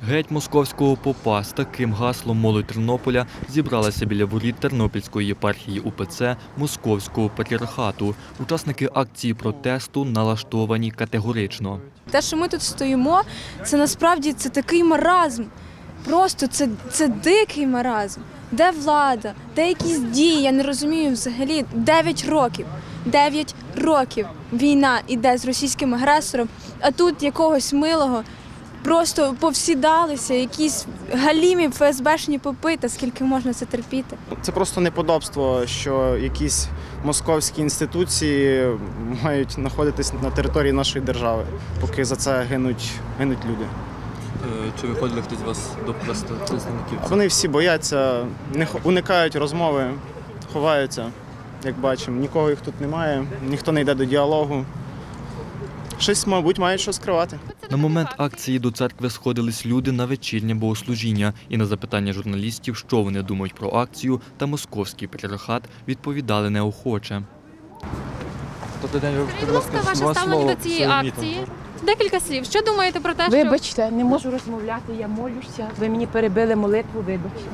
Геть московського попа. З таким гаслом молодь Тернополя зібралася біля воріт Тернопільської єпархії УПЦ Московського патріархату. Учасники акції протесту налаштовані категорично. Те, що ми тут стоїмо, це насправді такий маразм. Просто це дикий маразм. Де влада? Де якісь дії? Я не розумію взагалі. 9 років. 9 років війна іде з російським агресором, а тут якогось милого просто повсідалися, якісь галімі ФСБшні попи, та скільки можна це терпіти. Це просто неподобство, що якісь московські інституції мають знаходитись на території нашої держави, поки за це гинуть люди. Чи виходили хтось з вас до представників? Вони всі бояться, уникають розмови, ховаються, як бачимо. Нікого їх тут немає, ніхто не йде до діалогу. Щось, мабуть, мають що скривати. На момент акції до церкви сходились люди на вечірнє богослужіння. І на запитання журналістів, що вони думають про акцію та московський патріархат, відповідали неохоче. Скажіть, будь ласка, ваше ставлення до цієї акції? Декілька слів. Що думаєте про те, що... Вибачте, не можу розмовляти, я молюся. Ви мені перебили молитву, вибачте.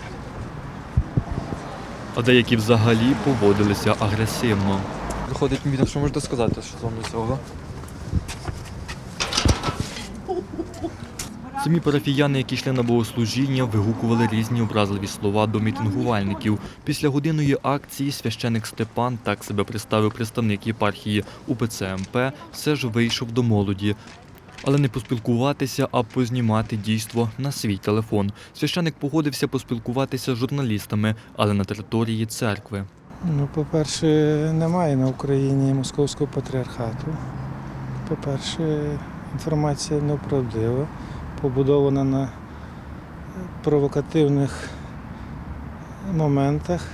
А деякі взагалі поводилися агресивно. Виходить, що можете сказати, що вам до цього? Самі парафіяни, які йшли на богослужіння, вигукували різні образливі слова до мітингувальників. Після годинної акції священик Степан, так себе представив представник єпархії УПЦ МП, все ж вийшов до молоді. Але не поспілкуватися, а познімати дійство на свій телефон. Священик погодився поспілкуватися з журналістами, але на території церкви. По-перше, немає на Україні московського патріархату. По-перше, інформація неправдива, побудована на провокативних моментах.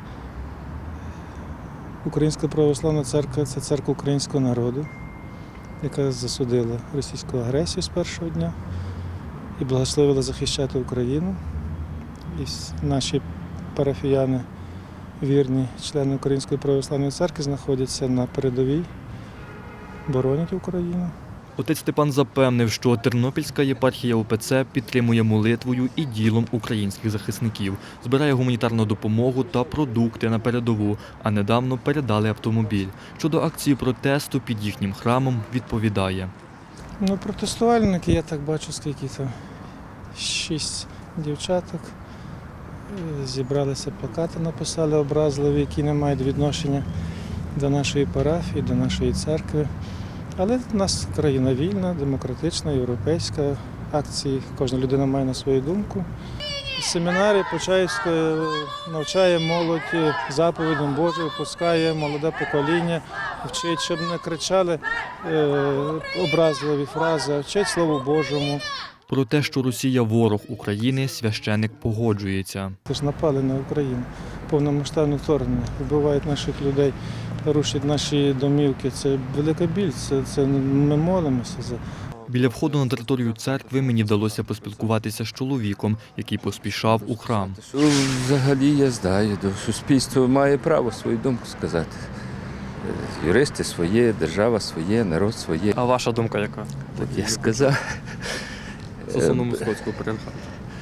Українська православна церква – це церква українського народу, яка засудила російську агресію з першого дня і благословила захищати Україну. І наші парафіяни, вірні члени Української православної церкви, знаходяться на передовій, боронять Україну. Отець Степан запевнив, що Тернопільська єпархія УПЦ підтримує молитвою і ділом українських захисників, збирає гуманітарну допомогу та продукти на передову, а недавно передали автомобіль. Щодо акції протесту під їхнім храмом відповідає. Протестувальники, я так бачу, скільки там, 6 дівчаток, зібралися, плакати написали образливі, які не мають відношення до нашої парафії, до нашої церкви. Але в нас країна вільна, демократична, європейська. Акції кожна людина має на свою думку. Семінарі Почаївської навчає молодь заповідям Божим, пускає молоде покоління, вчить, щоб не кричали образливі фрази, а вчить Слову Божому. Про те, що Росія – ворог України, священик погоджується. Це ж напали на Україну, повномасштабне вторгнення, вбивають наших людей, рушать наші домівки. Це велика біль, це ми молимося за. Біля входу на територію церкви мені вдалося поспілкуватися з чоловіком, який поспішав у храм. Що взагалі я знаю, суспільство має право свою думку сказати. Юристи своє, держава своє, народ своє. А ваша думка яка? Так я сказав. Стосовно московського патріархату.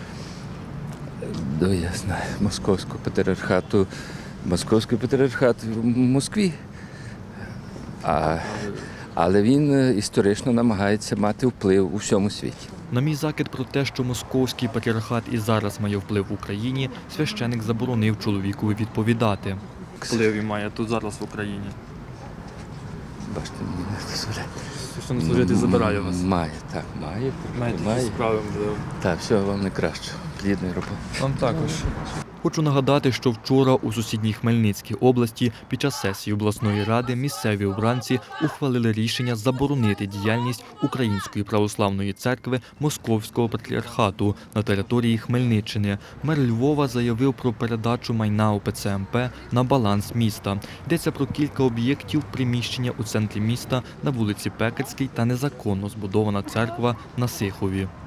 Я знаю, московського патріархату. Московський патріархат в Москві. Але він історично намагається мати вплив у всьому світі. На мій закид про те, що московський патріархат і зараз має вплив в Україні, священик заборонив чоловікові відповідати. Вплив має тут зараз в Україні. Бачите, мені не дозволяє. Священнослужитель забирає вас. Має, так, має. Маєте справи, можливо. Так, всього вам найкраще. Плідної роботи. Вам також. Хочу нагадати, що вчора у сусідній Хмельницькій області під час сесії обласної ради місцеві обранці ухвалили рішення заборонити діяльність Української православної церкви Московського патріархату на території Хмельниччини. Мер Львова заявив про передачу майна УПЦ МП на баланс міста. Йдеться про кілька об'єктів приміщення у центрі міста на вулиці Пекарській та незаконно збудована церква на Сихові.